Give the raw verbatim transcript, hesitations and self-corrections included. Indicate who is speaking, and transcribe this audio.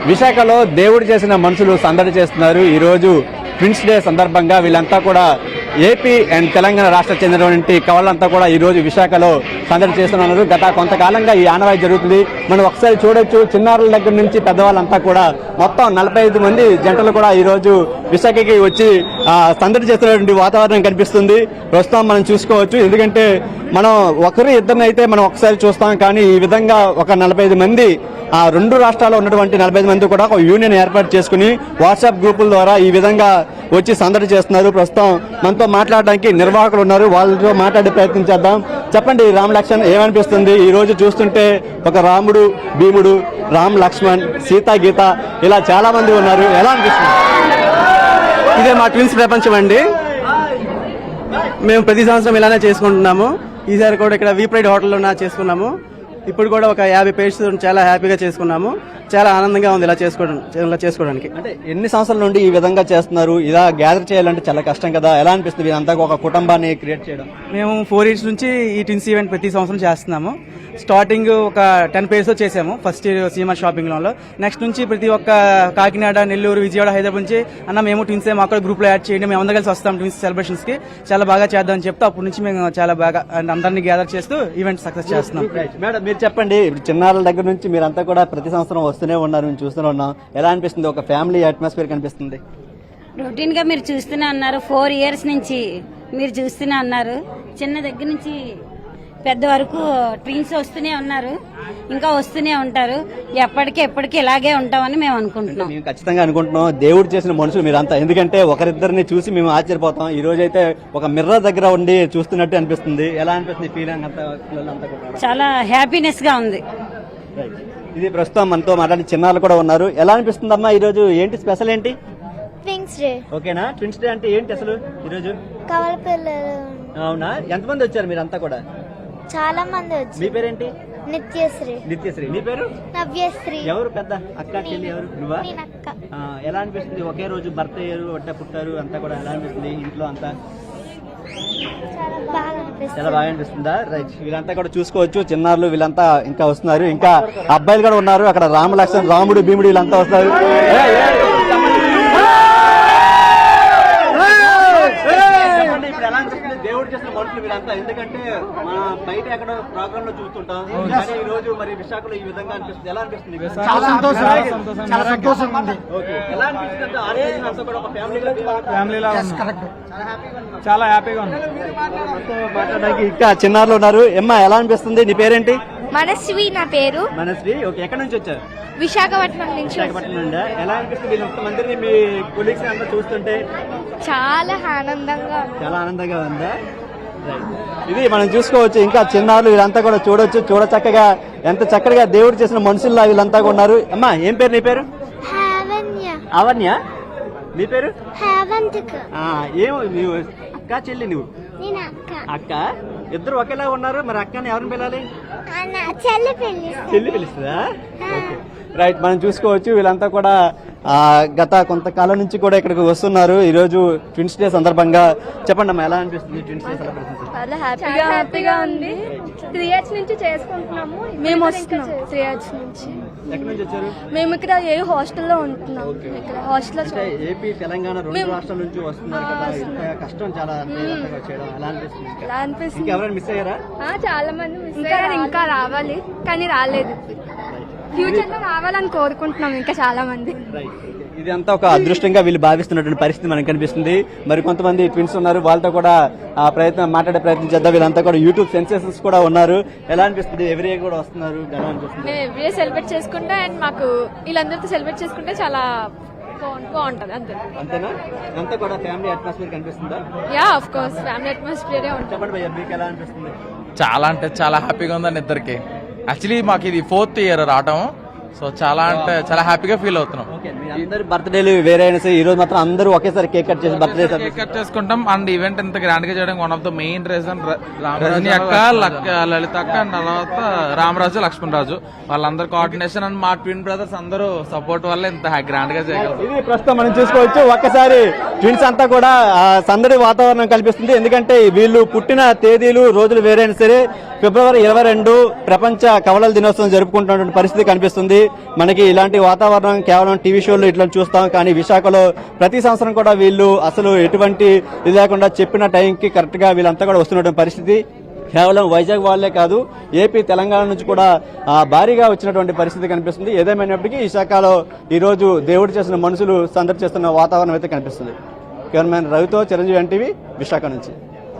Speaker 1: విశాఖలో దేవుడు చేసిన మనుషులు సందడి చేస్తున్నారు. ఈరోజు ట్విన్స్ డే సందర్భంగా వీళ్ళంతా కూడా ఏపీ అండ్ తెలంగాణ రాష్ట్ర చెందినటువంటి కవలంతా కూడా ఈరోజు విశాఖలో సందడి చేస్తున్నారు. గత కొంతకాలంగా ఈ ఆనవాయి జరుగుతుంది. మనం ఒకసారి చూడొచ్చు, చిన్నారుల దగ్గర నుంచి పెద్దవాళ్ళంతా కూడా మొత్తం నలభై ఐదు మంది జంటలు కూడా ఈరోజు విశాఖకి వచ్చి సందడి చేస్తున్నటువంటి వాతావరణం కనిపిస్తుంది. ప్రస్తుతం మనం చూసుకోవచ్చు. ఎందుకంటే మనం ఒకరు ఇద్దరినైతే మనం ఒకసారి చూస్తాం, కానీ ఈ విధంగా ఒక నలభై ఐదు మంది ఆ రెండు రాష్ట్రాల్లో ఉన్నటువంటి నలభై ఐదు మంది కూడా ఒక యూనియన్ ఏర్పాటు చేసుకుని వాట్సాప్ గ్రూపుల ద్వారా ఈ విధంగా వచ్చి సందడి చేస్తున్నారు. ప్రస్తుతం మనతో మాట్లాడడానికి నిర్వాహకులు ఉన్నారు, వాళ్ళతో మాట్లాడే ప్రయత్నం చేద్దాం. చెప్పండి రామ్ లక్ష్మణ్, ఏమనిపిస్తుంది ఈ రోజు చూస్తుంటే? ఒక రాముడు, భీముడు, రామ్ లక్ష్మణ్, సీతా, గీత ఇలా చాలా మంది ఉన్నారు. ఎలా అనిపిస్తుంది?
Speaker 2: ఇదే మా ట్విన్స్ ప్రపంచం అండి. మేము ప్రతి సంవత్సరం ఇలానే చేసుకుంటున్నాము. ఈసారి కూడా ఇక్కడ వీ ప్రైడ్ హోటల్లో చేసుకున్నాము. ఇప్పుడు కూడా ఒక యాభై పేజెస్ చాలా హ్యాపీగా చేసుకున్నాము. చాలా ఆనందంగా ఉంది ఇలా చేసుకోవడం ఇలా చేసుకోవడానికి.
Speaker 1: అంటే ఎన్ని సంవత్సరాల నుండి ఈ విధంగా చేస్తున్నారు? ఇలా గ్యాదర్ చేయాలంటే చాలా కష్టం కదా, ఎలా అనిపిస్తుంది ఇదంతా ఒక కుటుంబాన్ని క్రియేట్ చేయడం?
Speaker 2: మేము ఫోర్ ఇయర్స్ నుంచి ఈ ట్విన్స్ ఈవెంట్ ప్రతి సంవత్సరం చేస్తున్నాము. స్టార్టింగ్ ఒక టెన్ పేజెస్ చేసాము ఫస్ట్ సినిమా షాపింగ్ లో. నెక్స్ట్ నుంచి ప్రతి ఒక్క కాకినాడ, నెల్లూరు, విజయవాడ, హైదరాబాద్ నుంచి అన్న మేము ట్విన్స్ మాకు గ్రూప్ లో యాడ్ చేయండి, మేము అందరం కలిసి వస్తాం ట్విన్స్ సెలబ్రేషన్స్ కి, చాలా బాగా చేద్దాం అని చెప్తే అప్పటి నుంచి మేము చాలా బాగా అందరినీ గ్యాదర్ చేస్తూ ఈవెంట్ సక్సెస్ చేస్తున్నాం.
Speaker 1: మేడం మీరు చెప్పండి, చిన్నారుల దగ్గర నుంచి మీరంతా కూడా ప్రతి సంవత్సరం వస్తూనే ఉన్నారు, మేము చూస్తూనే ఉన్నాం. ఎలా అనిపిస్తుంది? ఒక ఫ్యామిలీ అట్మాస్ఫియర్ కనిపిస్తుంది.
Speaker 3: రొటీన్ గా మీరు చూస్తూనే అన్నారు, ఫోర్ ఇయర్స్ నుంచి మీరు చూస్తూనే అన్నారు. చిన్న దగ్గర నుంచి పెద్ద వరకు ట్విన్స్ వస్తూనే ఉన్నారు, ఇంకా వస్తూనే ఉంటారు. ఎప్పటికీ ఎప్పటికీ ఇలాగే ఉంటామని మేము అనుకుంటున్నాం.
Speaker 1: మేము ఖచ్చితంగా అనుకుంటున్నాం. దేవుడు చేసిన మనుషులు మీరంతా, ఎందుకంటే ఒకరిద్దరిని చూసి మేము ఆశ్చర్యపోతాం. ఈ రోజు అయితే ఒక మిర్రర్ దగ్గర ఉండి చూస్తున్నట్టు అనిపిస్తుంది. ఎలా అనిపిస్తుంది ఫీలింగ్ అంతా?
Speaker 3: చాలా హ్యాపీనెస్ గా ఉంది.
Speaker 1: ఇది ప్రస్తుతం మనతో మాట్లాడి చిన్నారులు కూడా ఉన్నారు. ఎలా అనిపిస్తుంది అమ్మా? ఈ రోజు ఏంటి స్పెషల్ ఏంటి?
Speaker 4: Twins day.
Speaker 1: ఓకేనా? ట్విన్స్ డే అంటే ఏంటి అసలు ఈరోజు?
Speaker 4: కవల పిల్లలు.
Speaker 1: అవునా? ఎంతమంది వచ్చారు మీరంతా కూడా?
Speaker 4: చాలా మంది వచ్చారు.
Speaker 1: మీ పేరేంటి?
Speaker 4: నిత్యశ్రీ.
Speaker 1: నిత్యశ్రీ. నీ పేరు?
Speaker 4: నవ్యశ్రీ.
Speaker 1: ఎవరు పెద్ద అక్క చెల్లి ఎవరు? నువ్వా?
Speaker 4: అక్క.
Speaker 1: ఎలా అనిపిస్తుంది? ఒకే రోజు భర్త అయ్యారు, ఒట్ట పుట్టారు, అంతా కూడా ఎలా అనిపిస్తుంది ఇంట్లో అంతా? చాలా బాగా అనిపిస్తుందా? రైట్. వీళ్ళంతా కూడా చూసుకోవచ్చు, చిన్నారులు వీళ్ళంతా ఇంకా వస్తున్నారు. ఇంకా అబ్బాయిలు కూడా ఉన్నారు. అక్కడ రామ లక్ష్మణ్, రాముడు, భీముడు వీళ్ళంతా వస్తారు. ఇప్పుడు ఎలా అనిపిస్తుంది దేవుడు చేసిన మనుషులు వీళ్ళంతా? ఎందుకంటే మన బయట ఎక్కడ ప్రోగ్రామ్ లో చూస్తుంటాం, కానీ ఈ రోజు మరి విశాఖలో ఈ విధంగా అనిపిస్తుంది. ఎలా అనిపిస్తుంది?
Speaker 5: చాలా సంతోషం, చాలా సంతోషంగా ఉంది.
Speaker 1: ఎలా అనిపిస్తుంది? ఆరోగ్యం అంతా కూడా ఒక ఫ్యామిలీగా
Speaker 5: ఫ్యామిలీలా చాలా హ్యాపీగా ఉంది.
Speaker 1: మాట్లాడడానికి ఇంకా చిన్నారులు ఉన్నారు. ఎమ్మా ఎలా అనిపిస్తుంది? నీ పేరేంటి?
Speaker 4: మనస్వి నా పేరు.
Speaker 1: మనస్వి. ఓకే, ఎక్కడి నుంచి వచ్చారు?
Speaker 4: విశాఖపట్నం నుంచి.
Speaker 1: విశాఖపట్నం నుండి. ఎలా అనిపిస్తుంది వీళ్ళంత మందిని మీ కొలీగ్స్ అంతా చూస్తుంటే?
Speaker 4: చాలా ఆనందంగా
Speaker 1: చాలా ఆనందంగా ఉందా? ఇది మనం చూసుకోవచ్చు. ఇంకా చిన్నారులు వీళ్ళంతా కూడా చూడొచ్చు. చూడ చక్కగా ఎంత చక్కగా దేవుడు చేసిన మనుషుల్లా వీళ్ళంతా ఉన్నారు. అమ్మా ఏం పేరు నీ పేరు? అవన్య. నీ పేరు? ఏమో నీవు అక్క చెల్లి? నువ్వు అక్క. ఇద్దరు ఒకేలా ఉన్నారు. మరి అక్కని ఎవరిని పిలాలి? చెల్లి పిలుస్తుందా? రైట్. మనం చూసుకోవచ్చు వీళ్ళంతా కూడా గత కొంతకాలం నుంచి కూడా ఇక్కడికి వస్తున్నారు. ఈ రోజు ట్విన్స్ డే సందర్భంగా చెప్పండి అమ్మా, ఎలా అనిపిస్తుంది ట్విన్స్ డే సెలబ్రేషన్?
Speaker 6: చాలా హ్యాపీగా హ్యాపీగా ఉంది. త్రీ ఇయర్స్ నుంచి చేసుకుంటున్నాము. మేము వస్తున్నాం త్రీ ఇయర్స్ నుంచి.
Speaker 1: ఎక్కడి నుంచి వచ్చారు?
Speaker 6: మేము ఇక్కడ ఏ హాస్టల్లో ఉంటున్నాం. ఇక్కడ హాస్టల్లో
Speaker 1: ఏపీ తెలంగాణ రెండు రాష్ట్రాల నుంచి వస్తున్నారు కదా, ఇంత కష్టం చాలా చేయడం ఎలా అనిపిస్తుంది?
Speaker 6: ఎలా అనిపిస్తుంది?
Speaker 1: ఎవరైనా మిస్ అయ్యారా?
Speaker 6: చాలా మంది మిస్ అయ్యారు. ఇంకా రావాలి కానీ రాలేదు. ఫ్యూచర్ లో రావాలని కోరుకుంటున్నాం ఇంకా చాలా మంది.
Speaker 1: ఇది అంతా ఒక అదృష్టంగా వీళ్ళు భావిస్తున్నటువంటి పరిస్థితి మనకు కనిపిస్తుంది. మరి కొంతమంది ట్విన్స్ ఉన్నారు, వాళ్ళతో కూడా ఆ ప్రయత్నం మాట్లాడే ప్రయత్నం చేద్దాం. వీళ్ళంతా కూడా యూట్యూబ్ సెన్సేషన్స్ కూడా ఉన్నారు. ఎలా అనిపిస్తుంది? ఎవ్రీ ఇయర్ కూడా వస్తున్నారు. ఎలా అనిపిస్తుంది?
Speaker 6: మేము ఎవ్రీ ఇయర్ సెలబ్రేట్ చేసుకుంటే అండ్ మాకు వీళ్ళందరితో సెలబ్రేట్ చేసుకుంటే చాలా బాగుంటది. అంతే.
Speaker 1: అంతేనా? అంతా కూడా ఫ్యామిలీ అట్మాస్ఫియర్ కనిపిస్తుందా?
Speaker 6: Yeah of course family atmosphere ఉంటుంది.
Speaker 1: చెప్పండి భయ్యా, మీకు ఎలా అనిపిస్తుంది?
Speaker 7: చాలా అంటే చాలా హ్యాపీగా ఉందండి ఇద్దరికి. యాక్చువల్లీ మాకు ఇది ఫోర్త్ ఇయర్ రావటం, సో చాలా అంటే చాలా హ్యాపీగా ఫీల్ అవుతున్నాం.
Speaker 1: అందరు బర్త్డేలు వేరే అయినా సరే ఈ రోజు మాత్రం అందరూ ఒకేసారి కేక్ కట్ చేసి బర్త్డే
Speaker 7: కేక్ కట్ చేసుకుంటాం. అండ్ ఈవెంట్ ఇంత గ్రాండ్ గా చేయడానికి one of the main reason Rajani అక్క, లలిత అక్క, అండ్ తర్వాత రామరాజు, లక్ష్మణ్ రాజు వాళ్ళందరూ కోఆర్డినేషన్ అండ్ మా ట్విన్ బ్రదర్స్ అందరూ సపోర్ట్ వల్ల ఇంత గ్రాండ్ గా చేయగలం.
Speaker 1: ఇది ప్రస్తుతం మనం చూసుకోవచ్చు. ఒక్కసారి ట్విన్స్ అంతా కూడా సందడి వాతావరణం కల్పిస్తుంది. ఎందుకంటే వీళ్ళు పుట్టిన తేదీలు రోజులు వేరైనా సరే ఫిబ్రవరి ఇరవై రెండు ప్రపంచ కవలల దినోత్సవం జరుపుకుంటున్నటువంటి పరిస్థితి కనిపిస్తుంది. మనకి ఇలాంటి వాతావరణం కేవలం టీవీ షోల్లో ఇట్లా చూస్తాం, కానీ విశాఖలో ప్రతి సంవత్సరం కూడా వీళ్ళు అసలు ఎటువంటి ఇది లేకుండా చెప్పిన టైంకి కరెక్ట్గా వీళ్ళంతా కూడా వస్తున్నటువంటి పరిస్థితి. కేవలం వైజాగ్ వాళ్ళే కాదు, ఏపీ తెలంగాణ నుంచి కూడా ఆ, భారీగా వచ్చినటువంటి పరిస్థితి కనిపిస్తుంది. ఏదేమైనప్పటికీ విశాఖలో ఈరోజు దేవుడు చేసిన మనుషులు సందడి చేస్తున్న వాతావరణం అయితే కనిపిస్తుంది. కెమెరామెన్ రవితో చిరంజీవి ఎన్టీవీ విశాఖ నుంచి.